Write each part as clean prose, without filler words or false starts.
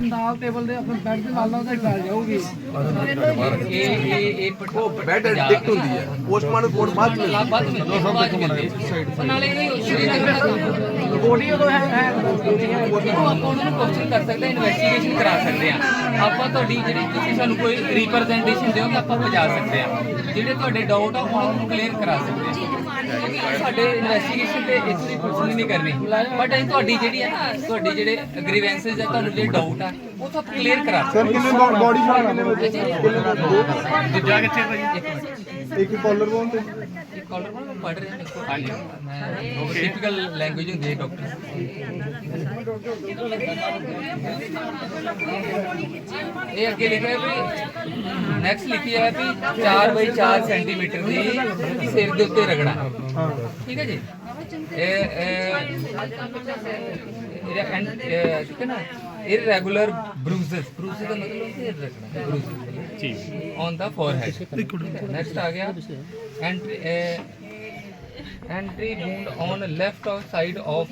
ਨਾਲ ਟੇਬਲ ਦੇ ਆਪਣੇ ਬੈੱਡ ਦੇ ਨਾਲ ਨਾਲ ਉਹਦਾ ਗੱਲ ਜਾਊਗੀ। ਇਹ ਬੈੱਡ ਐਡਿਕਟ ਹੁੰਦੀ ਹੈ, ਪੋਸਟਮਾਰਟਮ ਰਿਪੋਰਟ ਬਾਅਦ ਵਿੱਚ ਨਾਲੇ ਇਹ ਬੋਡੀ ਉਦੋਂ ਹੈ ਉਹ ਆਪਾਂ ਉਹਨਾਂ ਨੂੰ ਕੁਐਸਚਨ ਕਰ ਸਕਦੇ, ਇਨਵੈਸਟੀਗੇਸ਼ਨ ਕਰਾ ਸਕਦੇ ਆ ਆਪਾਂ। ਤੁਹਾਡੀ ਜਿਹੜੀ ਤੁਸੀਂ ਸਾਨੂੰ ਕੋਈ ਰਿਪਰੈਜ਼ੈਂਟੇਸ਼ਨ ਦਿਓ ਤਾਂ ਆਪਾਂ ਪਹੁੰਚਾ ਸਕਦੇ ਆ, ਜਿਹੜੇ ਤੁਹਾਡੇ ਡਾਊਟ ਆ ਉਹਨਾਂ ਨੂੰ ਕਲੀਅਰ ਕਰਾ ਸਕਦੇ ਆ। ਸਾਡੇ ਇਨਵੈਸਟੀਗੇਸ਼ਨ ਤੇ ਇੱਥੋਂ ਦੀ ਪੁੱਛਣੀ ਨਹੀਂ ਕਰਨੀ, ਬਟ ਅਸੀਂ ਤੁਹਾਡੀ ਜਿਹੜੀ ਹੈ ਨਾ, ਤੁਹਾਡੀ ਜਿਹੜੇ ਗ੍ਰੀਵੈਂਸਸ ਆ, ਤੁਹਾਨੂੰ ਜਿਹੜੇ ਡਾਊਟ ਆ ਉਹ ਤਾਂ ਕਲੀਅਰ ਕਰਾ ਸਕਦੇ। ਕਿੰਨੇ ਬੋਡੀ ਸ਼ਾਟ ਕਿੰਨੇ ਵਜੇ ਦੂਜਾ ਕਿੱਥੇ ਭਾਈ? ਇੱਕ ਕਾਲਰ ਬੋਨ ਤੇ ਕਾਲਰ ਨੂੰ ਪੜ੍ਹ ਰਹੇ ਦੇਖੋ। ਹਾਂਜੀ ਮੈਂ ਟਿਪੀਕਲ ਲੈਂਗੁਏਜ ਹੁੰਦੀ ਹੈ ਡਾਕਟਰ। ਇਹ ਅੱਗੇ ਲਿਖਿਆ ਹੈ ਵੀ ਨੈਕਸਟ ਲਿਖਿਆ ਹੈ ਵੀ 4x4 ਸੈਂਟੀਮੀਟਰ ਦੀ ਸਿਰ ਦੇ ਉੱਤੇ ਰਗੜਾ। ਠੀਕ ਹੈ ਜੀ। ਠੀਕ ਹੈ ਨਾ। irregular bruises ਦਾ मतलब होता है रगड़ा, bruises ठीक on the forehead। next आ गया entry wound on left side of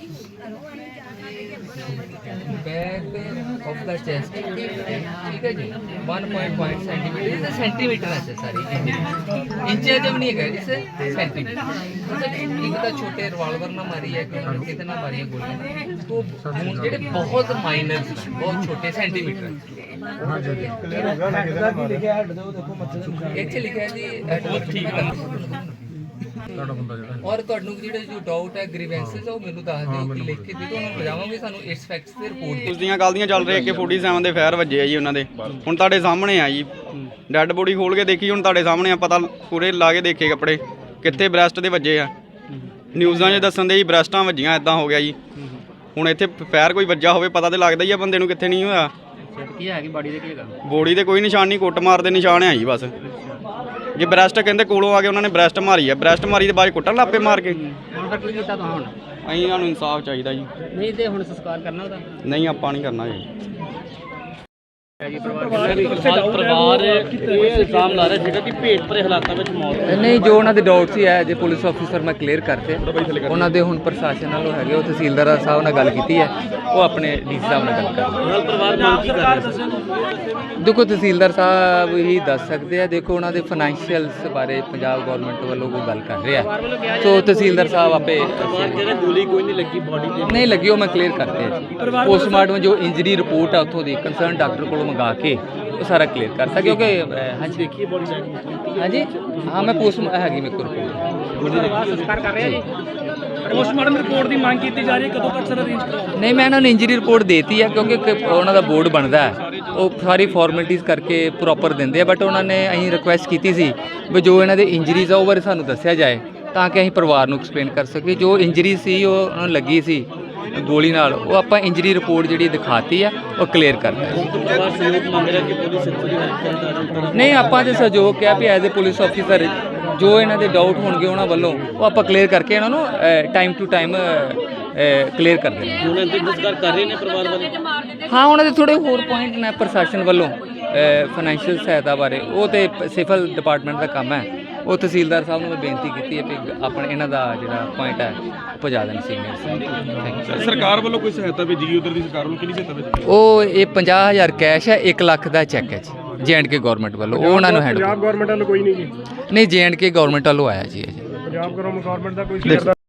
back of the chest। ठीक है जी। 1.5 सेंटीमीटर, इसे सेंटीमीटर है सारी, इंचे जब नहीं है इसे सेंटीमीटर। एक तो छोटे रिवाल्वर ना मारी है कितना मारी है गोली, तो जेडे बहुत माइनर बहुत छोटे सेंटीमीटर ਇੱਥੇ ਲਿਖਿਆ ਜੀ ਔਰ ਤੁਹਾਨੂੰ ਜਿਹੜੇ ਜੋ ਡਾਊਟ ਹੈ ਗ੍ਰੀਵੈਂਸਸ ਉਹ ਮੈਨੂੰ ਦੱਸ ਦਿਓ ਕਿ ਲਿਖ ਕੇ ਦੇ ਦਿਓ, ਉਹਨਾਂ ਨੂੰ ਬਜਾਵਾਂਗੇ ਸਾਨੂੰ ਇਸ ਫੈਕਟਸ ਤੇ ਰਿਪੋਰਟ। ਉਸ ਦੀਆਂ ਗੱਲ ਦੀਆਂ ਚੱਲ ਰਹੀ ਕਿ 47 ਦੇ ਫਾਇਰ ਵੱਜੇ ਆ ਜੀ ਉਹਨਾਂ ਦੇ, ਹੁਣ ਤੁਹਾਡੇ ਸਾਹਮਣੇ ਆ ਜੀ। ਡੈੱਡ ਬੋਡੀ ਖੋਲ ਕੇ ਦੇਖੀ, ਹੁਣ ਤੁਹਾਡੇ ਸਾਹਮਣੇ ਆ, ਪਤਾ ਪੂਰੇ ਲਾ ਕੇ ਦੇਖੇ ਕੱਪੜੇ ਕਿੱਥੇ ਬ੍ਰੈਸਟ ਦੇ ਵੱਜੇ ਆ। ਨਿਊਜ਼ਾਂ 'ਚ ਦੱਸਣ ਦੇ ਜੀ ਬ੍ਰੈਸਟਾਂ ਵੱਜੀਆਂ, ਇਦਾਂ ਹੋ ਗਿਆ ਜੀ। ਹੁਣ ਇੱਥੇ ਫਾਇਰ ਕੋਈ ਵੱਜਾ ਹੋਵੇ ਪਤਾ ਤੇ ਲੱਗਦਾ ਹੀ ਆ ਬੰਦੇ ਨੂੰ, ਕਿੱਥੇ ਨਹੀਂ ਹੋਇਆ। ਕੀ ਹੈ ਕਿ ਬਾਡੀ ਦੇ ਕੀ ਹੈਗਾ? ਬੋਡੀ ਤੇ ਕੋਈ ਨਿਸ਼ਾਨ ਨਹੀਂ, ਕੁੱਟ ਮਾਰ ਦੇ ਨਿਸ਼ਾਨ ਆ ਜੀ ਬਸ। ਜੇ ਬ੍ਰੈਸਟ ਕਹਿੰਦੇ ਕੋਲੋਂ ਆ ਕੇ ਉਹਨਾਂ ਨੇ ਬ੍ਰੈਸਟ ਮਾਰੀ ਆ, ਬ੍ਰੈਸਟ ਮਾਰੀ ਦੇ ਬਾਅਦ ਕੁੱਟਣ ਲੱਪੇ ਮਾਰ ਕੇ। ਹੁਣ ਤੱਕ ਕੀ ਕੀਤਾ ਤੁਸੀਂ? ਹੁਣ ਅਸੀਂ ਸਾਨੂੰ ਇਨਸਾਫ ਚਾਹੀਦਾ ਜੀ। ਨਹੀਂ ਤੇ ਹੁਣ ਸੰਸਕਾਰ ਕਰਨਾ ਉਹਦਾ? ਨਹੀਂ ਆਪਾਂ ਨਹੀਂ ਕਰਨਾ ਜੀ। ਪਰਿਵਾਰ ਇਹ ਇਲਜ਼ਾਮ ਲਾ ਰਿਹਾ ਸੀਗਾ ਕਿ ਭੇਟ ਭਰੇ ਹਾਲਾਤਾਂ ਵਿੱਚ ਮੌਤ ਨਹੀਂ, ਜੋ ਉਹਨਾਂ ਦੇ ਡਾਊਟ ਸੀ ਹੈ ਜੇ ਪੁਲਿਸ ਆਫੀਸਰ ਮੈਂ ਕਲੀਅਰ ਕਰਤੇ ਉਹਨਾਂ ਦੇ। ਹੁਣ ਪ੍ਰਸ਼ਾਸਨ ਨਾਲੋਂ ਹੈਗੇ ਉਹ ਤਹਿਸੀਲਦਾਰ ਸਾਹਿਬ ਨਾਲ ਗੱਲ ਕੀਤੀ ਹੈ, ਉਹ ਆਪਣੇ ਡੀਸੀ ਸਾਹਿਬ ਨਾਲ ਗੱਲ ਕਰ ਪਰਿਵਾਰ ਮੰਗ ਕੀ ਕਰ ਰਿਹਾ। ਦੇਖੋ ਤਹਿਸੀਲਦਾਰ ਸਾਹਿਬ ਹੀ ਦੱਸ ਸਕਦੇ ਆ। ਦੇਖੋ ਉਹਨਾਂ ਦੇ ਫਾਈਨੈਂਸ਼ੀਅਲਸ ਬਾਰੇ ਪੰਜਾਬ ਗਵਰਨਮੈਂਟ ਵੱਲੋਂ ਕੋਈ ਗੱਲ ਕਰ ਰਿਹਾ, ਸੋ ਤਹਿਸੀਲਦਾਰ ਸਾਹਿਬ ਆਪੇ ਗੋਲੀ ਕੋਈ ਨਹੀਂ ਲੱਗੀ ਬੋਡੀ ਤੇ ਨਹੀਂ ਲੱਗੀ, ਉਹ ਮੈਂ ਕਲੀਅਰ ਕਰਤੇ ਆ। ਪੋਸਟਮਾਰਟਮ ਜੋ ਇੰਜਰੀ ਰਿਪੋਰਟ ਆ ਉੱਥੋਂ ਦੀ ਕੰਸਰਨ ਡਾਕਟਰ ਕੋਲੋਂ ਮੰਗਾ ਕੇ ਉਹ ਸਾਰਾ ਕਲੀਅਰ ਕਰਤਾ, ਕਿਉਂਕਿ ਹਾਂਜੀ ਦੇਖੀਏ ਬੋਡੀ ਹਾਂਜੀ ਹਾਂ ਮੈਂ ਪੋਸਟ ਹੈਗੀ ਮੇਰੇ ਕੋਲ ਰਿਪੋਰਟ ਸੰਸਕਾਰ ਕਰ ਰਿਹਾ ਜੀ। ਪੋਸਟਮਾਰਟਮ ਰਿਪੋਰਟ ਦੀ ਮੰਗ ਕੀਤੀ ਜਾ ਰਹੀ ਹੈ, ਕਦੋਂ ਤੱਕ ਸਰ ਅਰੇਂਜ ਕਰਾਓ? ਨਹੀਂ ਮੈਂ ਇਹਨਾਂ ਨੂੰ ਇੰਜਰੀ ਰਿਪੋਰਟ ਦੇਤੀ ਹੈ, ਕਿਉਂਕਿ ਉਹਨਾਂ ਦਾ ਬੋਰਡ ਬਣਦਾ ਹੈ, ਉਹ ਸਾਰੀ ਫਾਰਮੈਲਿਟੀਜ਼ ਕਰਕੇ ਪ੍ਰੋਪਰ ਦਿੰਦੇ ਆ। ਬਟ ਉਹਨਾਂ ਨੇ ਅਸੀਂ ਰਿਕੁਐਸਟ ਕੀਤੀ ਸੀ ਵੀ ਜੋ ਇਹਨਾਂ ਦੇ ਇੰਜਰੀਜ਼ ਆ ਉਹ ਬਾਰੇ ਸਾਨੂੰ ਦੱਸਿਆ ਜਾਏ, ਤਾਂ ਕਿ ਅਸੀਂ ਪਰਿਵਾਰ ਨੂੰ ਐਕਸਪਲੇਨ ਕਰ ਸਕੀਏ। ਜੋ ਇੰਜਰੀ ਸੀ ਉਹ ਉਹਨਾਂ ਨੂੰ ਲੱਗੀ ਸੀ ਗੋਲੀ ਨਾਲ, ਉਹ ਆਪਾਂ ਇੰਜਰੀ ਰਿਪੋਰਟ ਜਿਹੜੀ ਦਿਖਾਤੀ ਆ ਉਹ ਕਲੀਅਰ ਕਰਤਾ। ਨਹੀਂ ਆਪਾਂ ਤੇ ਸਹਿਯੋਗ ਕਿਹਾ ਵੀ ਐਜ਼ ਏ ਪੁਲਿਸ ਆਫੀਸਰ ਜੋ ਇਹਨਾਂ ਦੇ ਡਾਊਟ ਹੋਣਗੇ ਉਹਨਾਂ ਵੱਲੋਂ ਉਹ ਆਪਾਂ ਕਲੀਅਰ ਕਰਕੇ ਇਹਨਾਂ ਨੂੰ ਟਾਈਮ ਟੂ ਟਾਈਮ ਕਲੀਅਰ ਕਰ ਦੇਣਾ। ਹੁਣ ਇੰਤਜ਼ਾਰ ਕਰ ਰਹੇ ਨੇ ਪਰਿਵਾਰ ਵਾਲੇ? ਹਾਂ ਉਹਨਾਂ ਦੇ ਥੋੜੇ ਹੋਰ ਪੁਆਇੰਟ ਨੇ ਪ੍ਰਸ਼ਾਸਨ ਵੱਲੋਂ ਫਾਈਨੈਂਸ਼ੀਅਲ ਸਹਾਇਤਾ ਬਾਰੇ, ਉਹ ਤੇ ਸਿਵਲ ਡਿਪਾਰਟਮੈਂਟ ਦਾ ਕੰਮ ਹੈ। ਉਹ ਤਹਿਸੀਲਦਾਰ ਸਾਹਿਬ ਨੂੰ ਮੈਂ ਬੇਨਤੀ ਕੀਤੀ ਹੈ ਕਿ ਆਪਣੇ ਇਹਨਾਂ ਦਾ ਜਿਹੜਾ ਪੁਆਇੰਟ ਹੈ ਪਹੁੰਚਾ ਦੇਣ ਸੀਨੀਅਰ। ਸਰਕਾਰ ਵੱਲੋਂ ਕੋਈ ਸਹਾਇਤਾ ਭੇਜੀ ਗਈ? ਉਧਰ ਦੀ ਸਰਕਾਰ ਵੱਲੋਂ ਕਿਹੜੀ ਸਹਾਇਤਾ ਭੇਜੀ? ਉਹ ਇਹ 50,000 ਕੈਸ਼ ਹੈ, 1 ਲੱਖ ਦਾ ਚੈੱਕ ਹੈ ਜੀ J&K ਗਵਰਨਮੈਂਟ ਵੱਲੋਂ, ਉਹ ਉਹਨਾਂ ਨੂੰ ਹੈਂਡ। ਪੰਜਾਬ ਗਵਰਨਮੈਂਟ ਵੱਲੋਂ ਕੋਈ ਨਹੀਂ ਜੀ? ਨਹੀਂ J&K ਗਵਰਨਮੈਂਟ ਵੱਲੋਂ ਆਇਆ ਜੀ। ਪੰਜਾਬ ਗਵਰਨਮੈਂਟ ਦਾ ਕੋਈ